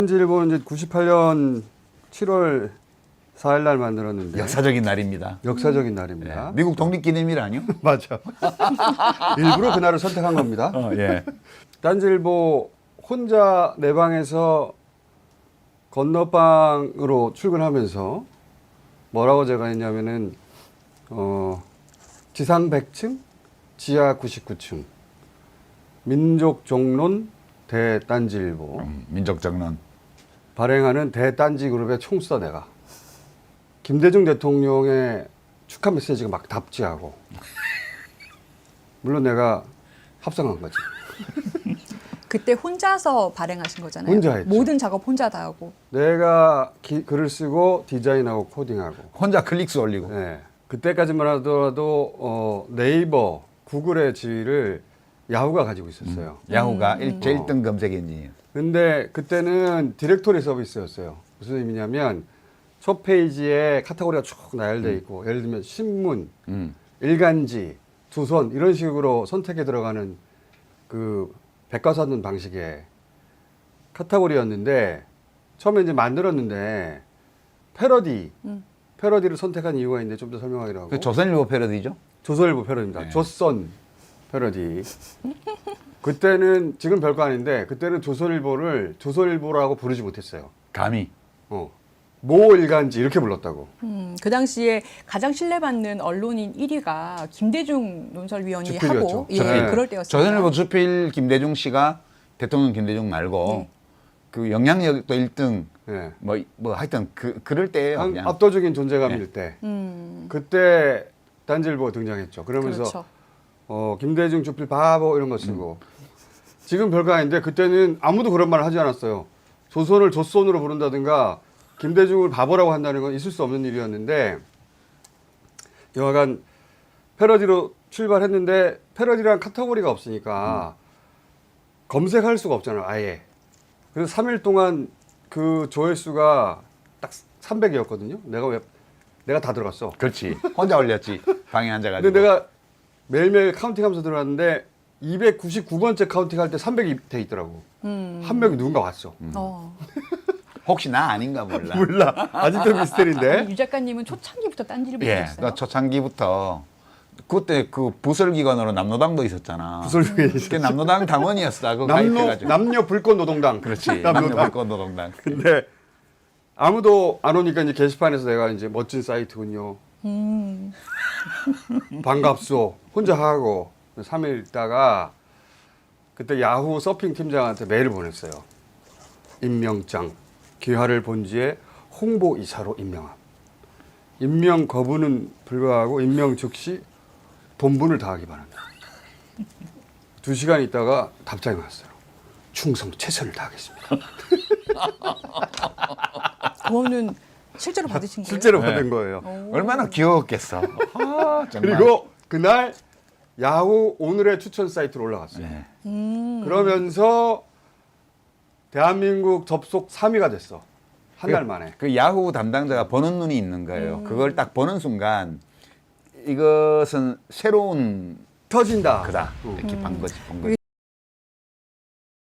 딴지일보는 이제 98년 7월 4일 날 만들었는데 역사적인 날입니다. 역사적인 날입니다. 네. 미국 독립기념일 아니요? 맞아. 일부러 그날을 선택한 겁니다. 예. 딴지일보 혼자 내 방에서 건너방으로 출근하면서 뭐라고 제가 했냐면은 지상 100층, 지하 99층, 민족정론 대딴지일보 민족정론. 발행하는 대딴지그룹의 총수다 내가. 김대중 대통령의 축하 메시지가 막 답지하고 물론 내가 합성한 거지. 그때 혼자서 발행하신 거잖아요. 혼자 했죠. 모든 작업 혼자 다 하고. 내가 글을 쓰고 디자인하고 코딩하고. 혼자 클릭수 올리고. 네. 그때까지만 하더라도 네이버, 구글의 지위를 야후가 가지고 있었어요. 야후가 제일 1등 검색 엔진이에요. 근데 그때는 디렉토리 서비스였어요. 무슨 의미냐면 첫 페이지에 카테고리가 쭉 나열되어 있고 예를 들면 신문, 일간지, 조선 이런 식으로 선택에 들어가는 그 백과사전 방식의 카테고리였는데 처음에 이제 만들었는데 패러디를 선택한 이유가 있는데 좀 더 설명하기로 하고. 그 조선일보 패러디죠? 조선일보 패러디입니다. 네. 조선 패러디. 그때는 지금 별거 아닌데 그때는 조선일보를 조선일보라고 부르지 못했어요. 감히. 모 일간지 이렇게 불렀다고. 그 당시에 가장 신뢰받는 언론인 1위가 김대중 논설위원이 주필이었죠. 하고 예, 네. 그럴 때였어요. 조선일보 주필 김대중 씨가 대통령 김대중 말고 네. 그 영향력도 1등 네. 뭐 하여튼 그럴 때예요. 그냥. 압도적인 존재감일 네. 때. 그때 딴지일보가 등장했죠. 그러면서 그렇죠. 김대중 주필 바보 이런 거 쓰고. 지금 별거 아닌데 그때는 아무도 그런 말을 하지 않았어요. 조선을 조선으로 부른다든가 김대중을 바보라고 한다는 건 있을 수 없는 일이었는데 여하간 패러디로 출발했는데 패러디란 카테고리가 없으니까 검색할 수가 없잖아요. 아예. 그래서 3일 동안 그 조회수가 딱 300이었거든요. 내가 다 들어갔어. 그렇지. 혼자 올렸지. 방에 앉아가지고. 근데 내가 매일매일 카운팅하면서 들어갔는데 299번째 카운팅할 때 300이 돼 있더라고. 한 명이 누군가 왔어. 혹시 나 아닌가 몰라. 몰라. 아직도 미스터리인데. 유 작가님은 초창기부터 딴지를 예, 보셨어요? 나 초창기부터 그때 그 부설기관으로 남노당도 있었잖아. 부설기관이 그게 남노당 당원이었어. 그거 가입해가지고. 남녀 불꽃 노동당. 그렇지. 남노당. 남녀불꽃노동당. 근데 아무도 안 오니까 이제 게시판에서 내가 이제 멋진 사이트군요. 반갑소. 혼자 하고 3일 있다가 그때 야후 서핑 팀장한테 메일을 보냈어요. 임명장. 귀하를 본지에 홍보이사로 임명함. 임명 거부는 불가하고 임명 즉시 본분을 다하기 바랍니다. 2시간 있다가 답장이 왔어요. 충성 최선을 다하겠습니다. 그거는 실제로 받으신 거예요? 실제로 받은 거예요. 얼마나 귀여웠겠어. 아, 정말. 그리고 그날 야후 오늘의 추천 사이트로 올라갔어요. 네. 그러면서 대한민국 접속 3위가 됐어. 한 달 만에. 그 야후 담당자가 보는 눈이 있는 거예요. 그걸 딱 보는 순간 이것은 새로운 터진다. 그다. 이렇게 본 거지.